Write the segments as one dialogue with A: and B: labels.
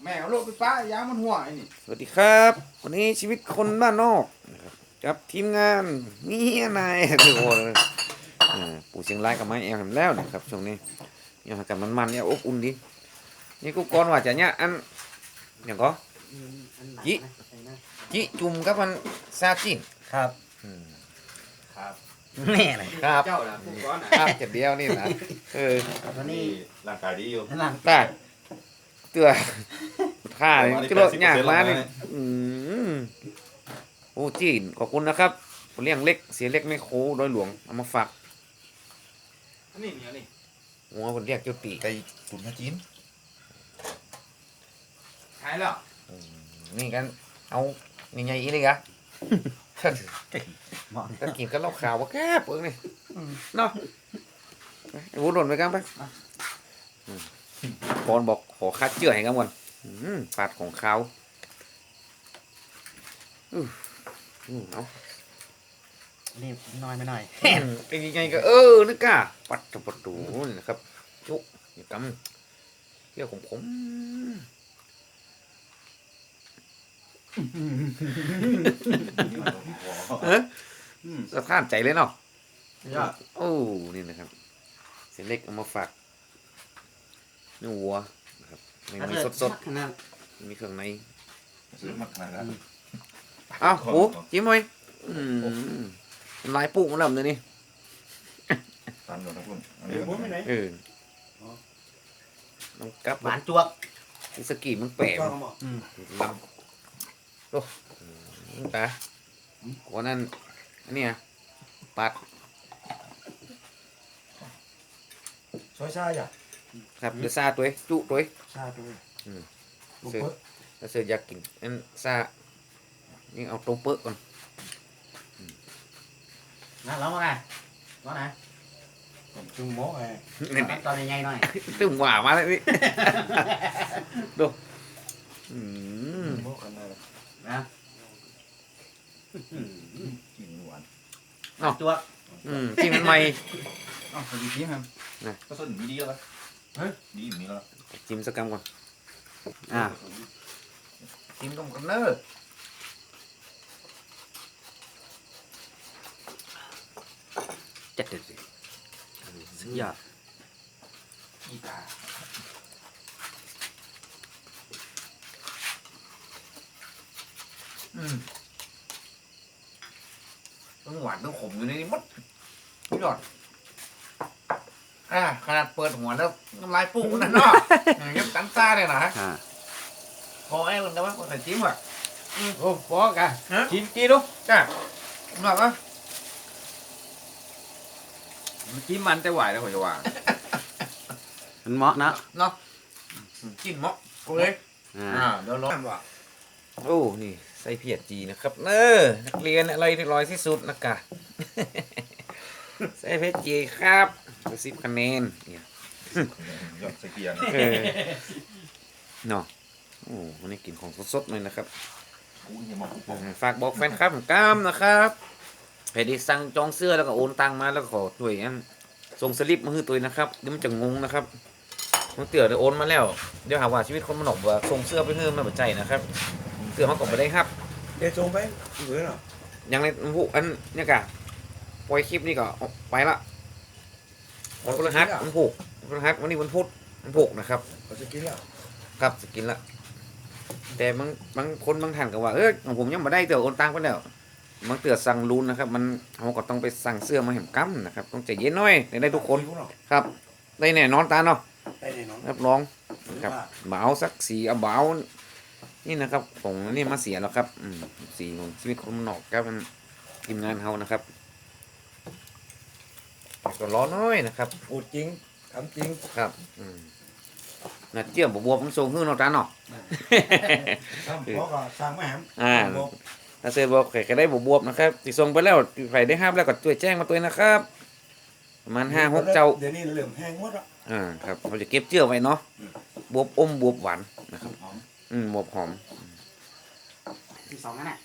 A: แม่เอาลูกไปป้ายามันหัวไอ้นี่
B: สวัสดีครับวันนี้ชีวิตคนบ้านนอกนะครับกับทีมงานมีนายทุกคนปู่เชียงรายกับไม้แอลเห็นแล้วนะครับช่วงนี้ยังหากันมันๆเนี่ยอบอุ่นดีนี่กูก่อนว่าจะเนี่ยอันอย่างก็จิจุ่มกับมันซาจิ้น
C: ครับ
A: ครับ
B: แน่เลยครับ
A: เจ้าล่ะผู้ก้อนนะครับ
B: เจ็ดเดียวนี่นะ
C: วันนี้
A: ร่างกายดีอยู่
C: นั่น
B: ได้เตือท่าเลยก็รถยากมานี่โอ้จีนขอบคุณนะครับเลี้ยงเล็กเสียเล็กไม่โค้โดยหลวงเอามาฝาก
A: อันนี้เนี่ยนี่
B: หัวคนเรียกเจ้าปี
D: ไก่ตุ๋นข้าวจีน
A: ขายแล้ว
B: นี่กันเอาใหญ่ๆอีเลยกะ
C: เหมาะ
B: ก็กินกันเหล้าขาวว่าแค่เปิงนี่เนาะไอ้วุ้นหล่นไปกันไปบอลบอกขอคัดเจือให้กันก่อนปาดของเขาเอา
C: นี่น้อยไม่น้อย
B: แห่นเป็นยังไงก็นึกกะปัดกับประตูนี่นะครับจุอย่ากำเรียกผมสะท้านใจเลยเนาะ
A: ยอด
B: โอ้นี่นะครับเส้นเล็กเอามาฝากเนื้อวัวนะครับไม่มีสด
C: ขนาด
B: ๆมีเครื่องใน
D: ซื้อมาขนาดนั้น
B: อ้าวโอ้จิ้มไว้ลายปุกมันลำเลยนี่
D: ตามอยู่นะคุณอัน
A: เดี๋
D: นี้
A: ยวผมไปไหน
B: น้องกับ
C: หวานจวบ
B: อิสกีมันแปะ
A: ก้อนหมอ
B: ลำโอ้ตาวันนั้นอันนี้ปัด
A: ซอยชาอย่า
B: ครับเดือซาตัวจุตัว
A: ชาตัวลูก
B: เสือ
A: เปิ้ล
B: ถ้าเสืออยากกินอันซานี่เอาตัวเปิ้ลก่อน
C: นะร้องว่าไงร้องไหน
A: จุ่มหม้อไอ้
B: นี่
C: ตอนใหญ่ๆหน่อย
B: ตึงหวามาเลยนี่ ดู
A: หม้อกันเลย
C: นะ
D: กินหวาน
C: จวบ
B: ที่มันใหม่
A: อ้าวสวัสดีพี่ครับ
D: ก็ส้นมีดีแล้วปะเฮ้ยดีอยู่นี่แล้ว
B: จิ้มสักกำก่อนจิ้มตรงกันเนอร์จัดเด็ดสิสุดยอด
A: กีตาร์
B: ต้องหวานต้องขมอยู่ในนี้หมดสุดยอดขนาดเปิดหัวแล้วน้ำลายปุ๊บนั่นเนาะยังตั้งซ่าเลยนะพอไอ้คนแต่ว่าคนใส่จิ้มอ่ะ
A: โอ้ปอกะกินดู
B: จ้าหนักอ่ะ
A: มันกินมันแต่ไหวแล้วผมจะว่า
C: มันเหมาะนะ
B: เนาะกินเหมาะโอเคเดี๋ยวรอว่าโอ้นี่ใส่เพียรจีนะครับนักเรียนอะไรที่ร้อยที่สุดนะกะ ใส่เพียรจีครับ10 คะแนนเนี่ย
D: ยอดใส่เกียร์
B: เนาะโอ้วันนี้กินของสดๆเลยนะครับ
D: กูยังมาปุ๊บ
B: ฝากบอกแฟนครับผมกล้ามนะครับใครที่สั่งจองเสื้อแล้วก็โอนตังมาแล้วก็ขอด้วยส่งสลิปมาให้ตัวนะครับเดี๋ยวมันจะงงนะครับมันเตือนโอนมาแล้วเดี๋ยวหาว่าชีวิตคนมันหนกว่าส่งเสื้อไปเพิ่มมาแบบใจนะครับเสื้อเขาก็ไม่ได้ครับ
A: เดี๋ยวส่งไปเหมือนหรอ
B: อย่างในผู้อันเนี่ยกะปล่อยคลิปนี่ก็ไปละวันพฤหัสวันพุธวันพฤหัสวันนี้วันพุธวันพุธนะครับ
A: เขาจะกินแล้ว
B: ครับสกินละแต่บางคนบางท่านก็ว่าของผมยังไม่ได้เตือโอนตังไปแล้วบางเตือสั่งรุนนะครับมันเขาก็ต้องไปสั่งเสื้อมาเห็นกั้มนะครับต้องใจเย็นหน่อยได้ทุกคนครับได้แน่นอนตาเนาะ
A: ได้แน่นอน
B: รับรองนะครับเบาสักสีเอาเบานี่นะครับผมนี่มาเสียแล้วครับสีของชีวิตคนมันนอกครับมันทีมงานเขานะครับก็ร้อนน้อยนะครับ
A: พูดจริงทำจริง
B: ครับน่ะเจียบบวบมันส่งขึ้นเอาตาเนาะ
A: ทำเพราะก็สร้างไม่แหม
B: ถ้าเซอร์บอกใครก็ได้บวบนะครับติส่งไปแล้วใครได้ห้ามแล้วก็ช่วยแจ้งมาตัวนะครับประมาณ5-6 เจ้า
A: เดี๋ยวนี้เหลื่อมแห้งหมดอ่ะ
B: ครับเราจะเก็บเจือไว้เนาะบวบอมบวบหวานนะครับบวบหอม
C: ที่สองนั่นแหละ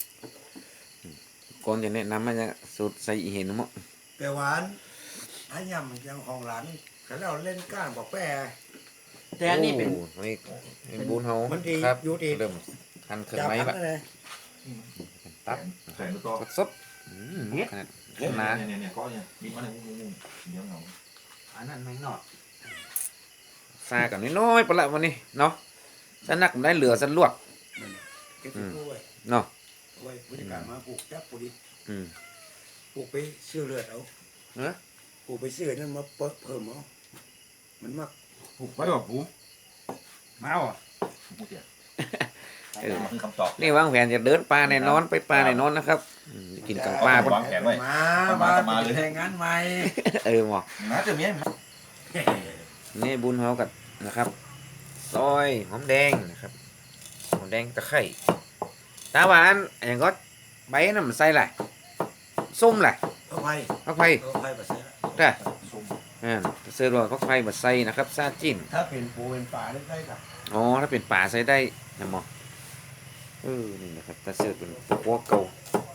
B: ก่อนจะแนะนำมันจะสูตรใส่อีเห็นมั้ง
A: แต่หวานถ้ายำยังของหลานก็เราเล่นก้านบอกแปร
C: แต่อันนี้เป็น
B: โอ้นี่เป็นบุญเฮา
A: มันดี
B: ครับ
A: อยู่ดี
B: เริ่มหั่นเครื่อง
A: จับ
B: ไม้
A: อั
B: แบบ
A: นนั้นเลย
B: ตับ
D: แข็งตัว
B: สดขนาดหนา
D: เนี่ยก็เนี่ยมีมันงูเดี๋ยวเงา
C: อันนั้นไม่นอด
B: ซากันน้อยๆปะละวันนี้เนาะสนักได้เหลือสันลวก
A: เก็บที่ตู้ไว้
B: เนาะ
A: ไว้บริการมาปลูกจับปลูกดิ
B: อืม
A: ปลูกไปซื้อเลือดเอา
B: เนอะ
A: ปลูกไปซื้อนั่นมาเพิ่มเอามันมัก
E: ผูกไว้บ่ผูมาอ่ะ
D: พูดเดี๋ยว
B: เออ
D: มันคือคำตอบ
B: นี่วางแผนจะเดินป่าแน่นอนไปป่าแน่นอนนะครับกินกับปลา
D: วางแผนไว้
A: มาเลยแทงงานใหม่
B: หมอ
D: นะเดี๋ยวนี้
B: นี่บุญเฮากันนะครับซอยหอมแดงนะครับหอมแดงตะไคร้ตาหวานอย่างก็ใบน้ำมันใส่แหละส้มแหละ
A: เอาไป
B: พักไผ่
A: เอาไปมาใส่ละ
B: ได้
D: ส้ม
B: เสื้อรอยพักไผ่มาใส่นะครับซาจิ้น
A: ถ้าเป็นปูเป็นปลาได้กับ
B: อ๋อถ้าเป็นป่าใส่ได้นะหมอนี่นะครับถ้าเสื้อเป็นพวกเก่า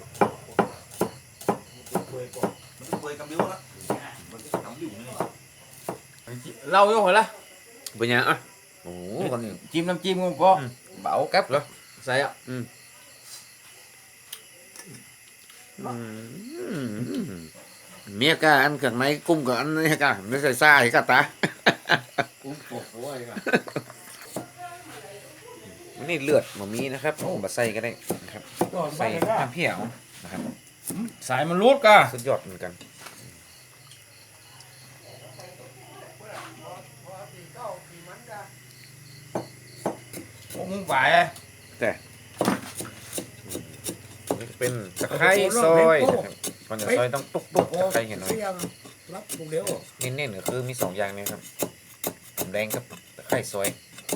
A: เคยก่อน
D: มันเคยกำบิ้วละมันกำบิ้วนี่
E: เล่าอยู่เหรอละ
B: เป็นยังอ่ะโอ้คนนี้
E: จิ้มน้ำจิ้มก็พอเบากับเหรอใส่อ่ะ
B: เมียกาอันเครื่องในกุ้มกับอันนี้กาไม่ใส่ซ่าอีกตา
E: กุ้งโป่งไว้กัน
B: นี่เลือดมันมีนะครับมาใส่ก็ได้นะครับ
A: ก่อน
B: ใส่
A: ใส่
B: น้ำเพียวนะครับ
E: สายมันรูดกะ
B: สุดยอดเหมือนกัน
E: พวกมึงไป
B: นี่จะเป็นตะไคร้ซอยนะครับก่อนจะซอยต้องตุ๊กตุ๊กตะไคร้เห็นหน่อย
A: เสียงรับปลูกเดียว
B: เน้นๆก็คือมีสองอย่างนี้ครับหอมแดงกับตะไคร้ซอย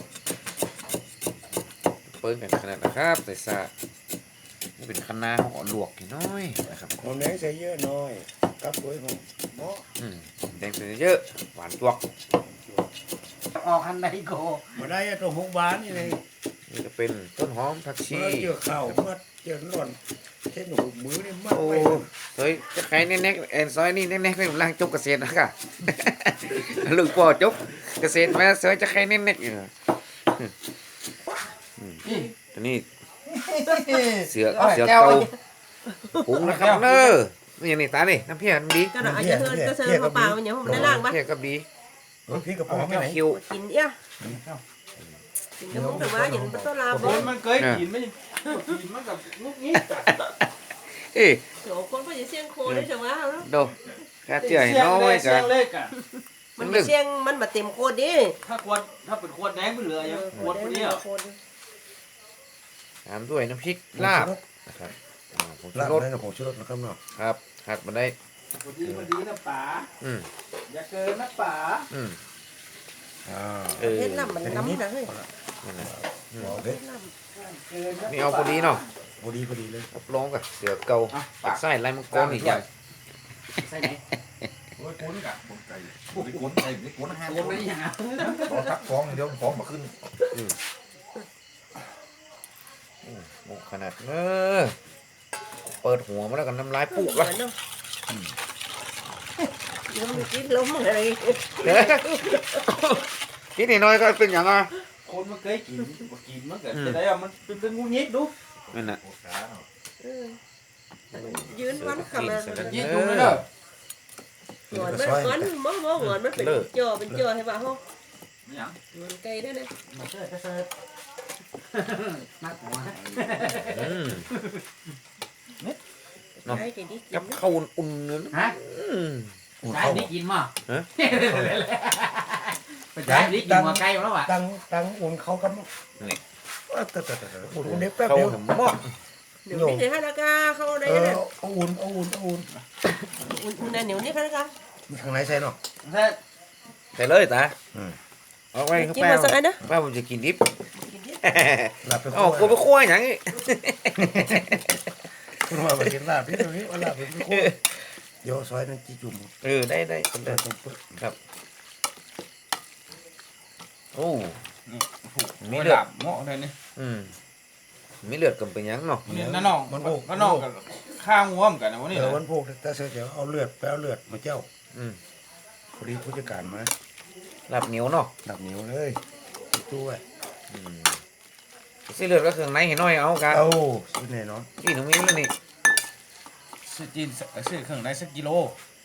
B: เปิ้ลกันขนาดนะครับใส่ซานี่เป็นคะน้าห่อลวกนิดน้อยนะครับ
A: หอมแดงใส่เยอะหน่อยกับปุ๋ยหอมเหมาะ
B: แดงใส่เยอะหวานจวก
C: ออกอันใดโก
A: มาได้ตัวหกบานนี่เลย
B: นี่จะเป็นต้นหอมผักชี
A: เมื่อเกี่ยวข้าวเมื่อเกี่ยวร้อนเช่นหนูมือนี่มาก
B: โอ้
A: ไป
B: เฮ้ยจะใครแน่ๆแอนซอยนี่แน่ๆเป็นร่างจบเกษตรนะค่ะ ลูกพ่อจบเกษตรมาซอยจะใครแน่ๆอยู่ตัวนี้เสือเก่าหุงนะครับเนอนี่อย่างนี้ตานี่น้ำเพี้ยนดี
F: ก็อาจจะเทินก็เทินเปล่าๆอย่างผมได้ล่างปะ
B: เพี้ยกับดี
A: พี่กระป๋องไปไหน
B: คิว
F: กินเอี้ยกินก็ผมแต่ว่าอย่างเป็นต้นลา
E: ค
F: บ่
E: นมันเคยกินไม่กินมันกับลูกนี้
B: เอ้ย
F: โหคนก็จะเสี่ยงโคได้จังว่า
B: ดูกาเจื่อยน้อย
E: เสี
B: กั
E: ย
B: น
E: งเล็กอ่ะ
F: มันเสี่ยงมันมาเต็มโคตรดิ
E: ถ้าเป็นขวดแดงไปเหลือยังขวดเดียว
B: ตามด้วยน้ำพริกลาบนะครับผงชู
A: ลาบ
B: รส
A: ได้กับผงชูรสนะครับเนาะ
B: ครับหัดมาได้
E: พอดีมันดีนะป๋า
B: อืม
E: อย่าเกินนะป๋า
B: อืม
A: อ่า
F: เฮ็ดน้ำมันน้ำนะเฮ้ย
B: นั่นแหละ
A: เอาเด็ด
B: นี่เอาพอดีเนาะ
A: พอดีเลย
B: รับรองกับเสือเก่าปากไส้ลายมังกรอีกอย่าง
C: ใส่ไหน
D: โอ้ยก้นกะก้นไก่ไม่ก้นไก่ไม่ก้นห้าม
C: โกนไม่ยังอ่ะ
D: ต่อทักฟ้องเดี๋ยวฟ้องมาขึ้น
B: หมกขนาดเปิดหัวมาแล้วกันน้ำลายปุ๊บ
F: เหมื
B: ละ
F: อนเนาะยังมีกินล้มอะไร
B: กินนิดหน่อยก็เป็นอย่างอ่ะ
E: คนมันเคยกินกินมันก็จะได้มันเป็นงูยิดดู
B: นั่นน่ะ
D: โอ้ขาเนาะ
F: ยืนวันขับมา
E: ยิดดูเลยเด้อ
F: หงอนมันหงอนมันเป็นจ่อให้ป่ะฮะ
E: นี่ยัง
F: หงอนไก่ได้เลย
C: มาเสิร์ฟก็เสิร์ฟนักหัว
B: อืม
F: ไก่ที่กิ
B: กับ
F: น
B: ข้าวอุ่นๆเนื้อ
C: ฮะ
B: อืม
C: ใช่นี่กินมั้ง
B: ฮะ
C: ไปใช่นี่กินหัวไก่แล้วอ่ะ
A: ตั้งอุ่นเขากับอุ่นเด็กแป๊บ
B: ข้าว
A: เดียว
B: หม้อ
F: เดี๋ยวนี่ให้ละกาเข้าได้เลย
A: อุ่น
F: อุ่นๆนะเหนียวนี่ค่ะละกา
A: ทางไหนใส่เนาะ
B: ใส่เลยตา
A: อืม
B: เอาไว้ข้าง
F: กิน
B: แป้
F: มาสักอันนะ
B: ป้าผมจะกินดิบ
A: ลาบเป็น
B: อ๋อกูไปคั่วอย่างนี้
A: คุณว่าไปกินลาบพี่ตรงนี้ว่าลาบเป็นคู่โยซอยนั่นจีจุ่ม
B: ได้คน
A: แต่
B: เดิน
A: ต้องเปิด
B: โอ้
E: มี
B: มี
E: เลื
B: เลื
E: อ
B: อ
E: ด
B: ด
E: หม้อเลยนี่
B: มีเลือดกันเป็นยังเนาะ
E: นี่น้าน้องน้าน้องกับข้างหัวมกันนะวันนี้
A: วันพวกแต่เสียเอาเลือดไปเอาเลือดมาเจ้า
B: อืม
A: พอดีผู้จัดการมา
B: ลาบเหนียวเนาะ
A: ดับเหนียวเลย
B: อ
A: ตู้ไว้
B: สิเลือดก็เครื่องในเห็นน้อยเอากะ
A: เอ้าซื้อแน่นอน
B: กินตรงนี้เลยนี่
E: ซื้อจีนซื้อเครื่องในสักกิโล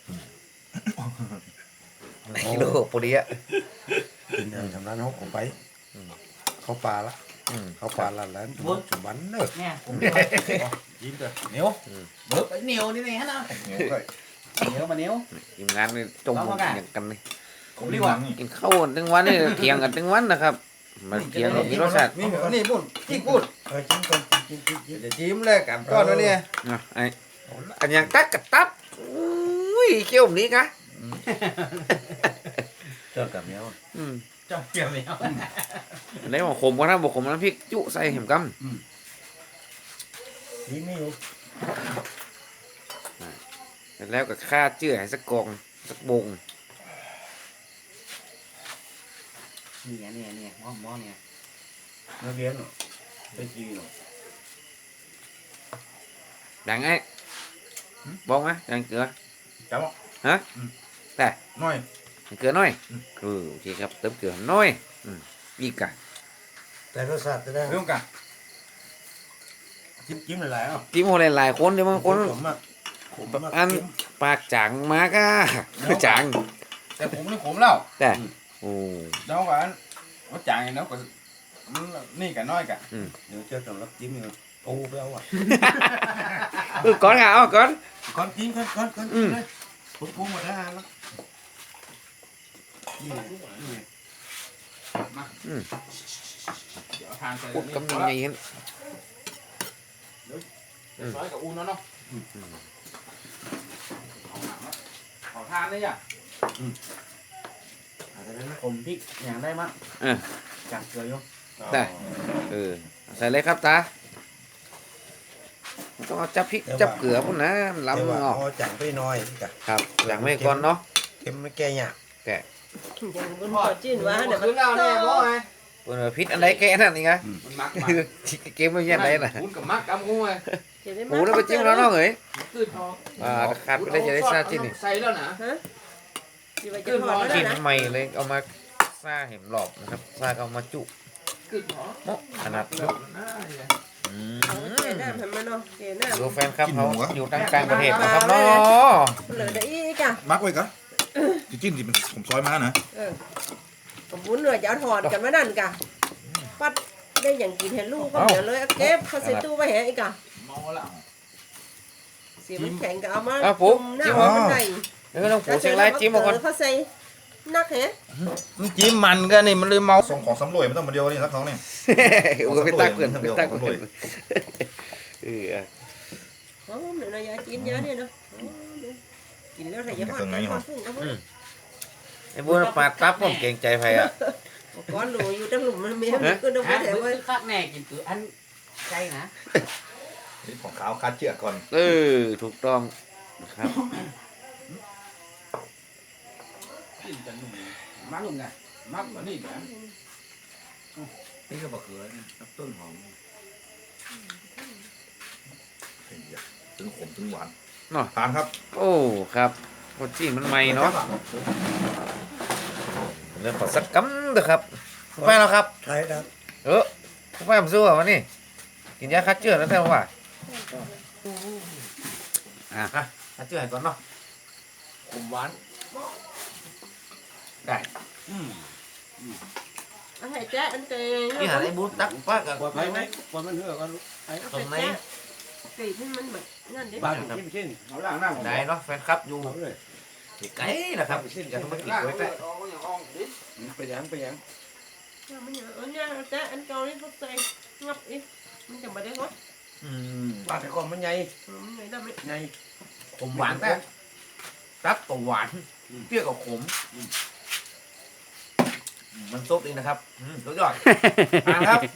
B: กิโลพอดีอะ
A: กินอย่างสำนักเขาไปเขาปลาละ
B: อืม
A: เขาปลาละแล้วจุบันเนอะ
C: เนี่ยผม
E: ยิ้มเลยเหนียว
C: เบิกเหนียวนี่ฮะนะ
D: เหนียวเลย
C: เหนียวมาเหนียว
B: ทีมงานนี่จมมุกอย่างกันนี่
C: ผมดีกว่า
B: กินข้าวทั้งวันนี่เถียงกันทั้งวันนะครับมาเถียงกันมีรสชาติ
E: นี่พูดที่พูด
A: กินก่อนกิน
E: เดี๋ยวจิ้มเลยกับก้อนแล้วเนี่ย
B: อ่ะไอ้อันยังตักกับตับอุ้ยเขี้ยวแบบนี้กะ
A: เจ้ากับแมว
B: อืม
C: เจ้าเกี่ยวเหนียว
B: อันไหนบอกขมก็นะบอกขมน้ำพริกจุใส่เห็มก
A: นี่ไม่อยู่
B: ำแล้วก็ข้าเจื่อให้สักกองสักบง
C: เนี่ยหม้อเนี่ย
A: นักเรียนเนาะไปจีเนาะ
B: ดังไอ้บอกไหมดังเกลือ
D: จับ
B: ฮะแต่
D: น้อย
B: เกลือน้อยโอเคครับเติมเกลือน้อยอีกกะ
A: แต่รสชาติจะได้
E: เรื่องกัน
A: จิ้มหลายๆอ่ะ
B: จิ้มคนหลายๆคนเดี๋ยวบางคน
A: ผมมากผมมาก
B: อันปากจังมากะจัง
E: แต่ผมนี่ผมแล้ว
B: แต่โอ้
E: น้องกันว่าจ่ายน้องก็นี่กันน้อยกัน
A: เดี๋ยวเจ้าสำรับจิ้มอยู่โอ้ไปเอาอ่ะ
B: ก่อนเอาก่อน
A: ก่อนกินก่อนเลยผมปรุงหมดแล้วแล้วนี่
E: เดี๋ยวทานใส่
B: ปุ๊บกำลังไงเห็น
E: ซอยกับอูนเนาะขอทานเลยอ่ะ
C: ผมพริกอย่างได้มั้งจับเกลืออยู่
B: ได้ใส่เลยครับตาต้องเอาจับพริกจับเกลือพุ่นนะ
A: แต่
B: ล้ำ
A: ว่า
B: เนาะ
A: พอจังไปหน่อยกะ
B: ครับหลังไม่ก่อนเนาะ
A: เค็มไม่แก่ยาก
F: อย่างบนขอจิ้นว่าเดี๋ยว
E: ขึ้นแล้วเนี่ยพ่อไง
B: เปิดพิษอันใดแกนั่นนี่ไง
E: มันมัก
B: เกมมันยังไงน่ะ
E: คุณกับมักกำงูไง
B: หมูแล้วไปจิ้มแล้วเนาะเอ้ย
E: ขึ้นทอง
B: ขาดไปได้จะได้ซาจิ้นนี่
E: ใส่แล้วนะ
F: ฮะสิว่าจะทอดแล้ว
B: จิ้น
F: นะ
B: ใหม่เลยเอามาซาเห็มหลอบนะครับซาก็เอามาจุ
E: ขึ้นทอง
B: โมขนาด
E: แล้
B: จุ
E: วนะ
F: เอาเกน้ำให้มันเนาะเกน้ำ
B: ดูแฟนครับเขาอยู่ต่างกลางประเทศนะครับเนาะ
F: เหลือได้อีกอ่ะ
D: มักไว้ก่อนจะจิ้มสิผมซอยมานะ
F: ผมบุญเลยจะเอาถอดกันมานั่นกะปัดได้อย่างกินเห็นลูกก็เดี๋ยวเลยเก็บเขาใส่ตู้ไว้แหอีกอ่ะ
E: เมาแล้ว
F: เสียมันแข็งก็เอามา
B: ปุ๊บ
F: หน้า
B: จิ้ม
F: มันไหน
B: เดี๋ยวต้องผูเชียงรายจิ้มมาก่อน
F: เขาใส่นักแฮะ
E: มันจิ้มมันก็นี่มันเลยเมา
D: ส่งของสำรวยไม่ต้องมาเดียวนี่สักท้องนี่
B: โอ้ก็ไปตักเพื่อนไปตักเพื่อนเออ
F: อ๋อเดี๋ยวยาจีนยาเนี่ยเนาะกินแล้วใส่ยาบ้านก็ฟุ้งก็ฟุ้ง
B: ไอ้บัวปาดตับผมเก่งใจไผอ่ะ
F: ก้อนหลูอยู่ตั้งหลุมมันมีก็ต้องไป
C: อัน
F: แถว
C: มื
F: ไว้
C: อคักแน่กินคืออันใจนะ
D: นี่ของขาวคาดเชือกก่อน
B: ถูกต้องครับ
E: กินกันหนุ่มมักหนุ่มไงมักกว่านี่นะ
D: นี่ก็บะเขือต้นหอมถึงขมถึงหวาน
B: เนาะ
D: ทานครับ
B: โอ้ครับคนจีนมันใหม่เนาะเรื่องขอสักกำเถอะครับคุณแม่แล้วครับ
A: ใช่ครับ
B: คุณแม่ผมสู้อ่ะวันนี้กินยาคัดเจือแล้วแต่ว่าคัดเจือให้ก่อนเนาะ
E: ขมหวาน
B: ได้
F: เอาให้แจ๊อันเตย
B: นี่หาไอ้บูตักป้ากับ
A: ว่าไปไหมว่ามันเหือกัน
B: ตรงไหน
F: กรีดให้มันแบบนั่นดิ
A: บ้านจิ้มชิ้น
E: เอาล่างหน้า
B: ได้เนาะแฟนครับอยู่
A: เอาเลย
B: ไกลนะครับอย่าต้องมากิน
E: ล่าง
B: ไว้แต่
A: ไปยัง
F: มันอย่างอันนี้แจ๊อันเก่านี่เขาใส่งับอีกมันจะไม่ได้งด
A: บ้านแต่ก่อนมันใหญ่
F: มันไม่ได้ไม่
A: ใหญ่
B: ผมหวานแต่ตับตัวหวานเปรี้ยวกับขมมันซุปดีนะครับสุดยอดทานครับ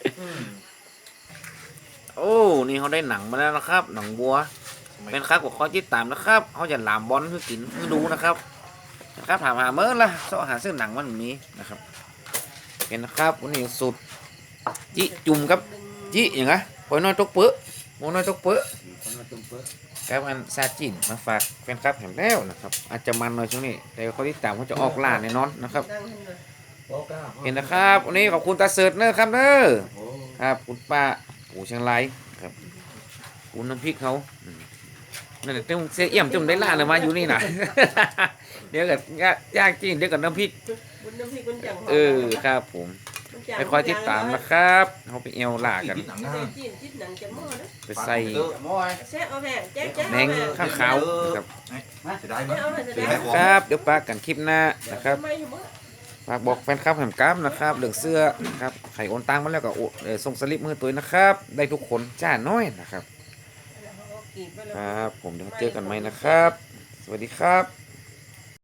B: โอ้นี่เขาได้หนังมาแล้วนะครับ หนังวัวเป็นครับกับข้อจิตตามนะครับเขาจะหลามบอลคือกินคือดูนะครับถามหาเมื่อละเสาะหาซื้อหนังมันแบบนี้นะครับเป็นนะครับวันนี้สุดจิจุ่มครับจิอย่างไงปล่อยน้อยตกเปื้อโมน้อยตกเปื้อครับอันซาจินมาฝากแฟนครับเห็นแล้วนะครับอาจจะมันหน่อยช่วงนี้แต่เขาที่ตามเขาจะออกล่าแน่นอนนะครับ
F: ดังขึ้นเลย
B: เห็นนะครับวันนี้ขอบคุณตาเสิร์ตเนอร์ครับเนอร์ครับคุณป้าปู่เชียงรายครับคุณน้ำพริกเขานั่นแหละต้องเสียเอี่ยมจมได้ล่าเลยมาอยู่นี่น่ะ เดี๋ยวกับย่างจีนเดี๋ยวกับน้ำพริก
F: บุญน้ำพริกบุญจังหอม
B: ครับผม
F: บุญจัง
B: ไปคอยติดตามนะครับเขาไปเอวล่ากัน
D: หนังหน้า
F: จีนจิตหนังจะหม้อนะ
B: ไปใส่
E: มอย
F: แซ่เอาแม่แจ๊กแจ๊ก
B: แมงข้างขาวครับ
D: จะได้มั้ย
F: เอาแม่จะ
D: จะ
F: ได้
D: ได้ของ
B: ครับเดี๋ยวปากันคลิปหน้านะครับ
F: ไม่อยู่มั้ง
B: ฝากบอกแฟนคลับแหมกราฟนะครับเรื่องเสื้อนะครับไข่โอนตังมาแล้วก็ส่งสลิปมือตัวนะครับ ได้ทุกคนจ้าน้อยนะครับ
F: กินไปเลย
B: ครับ ผมเดี๋ยวเจอกันใหม่นะครับ สวัสดีครับ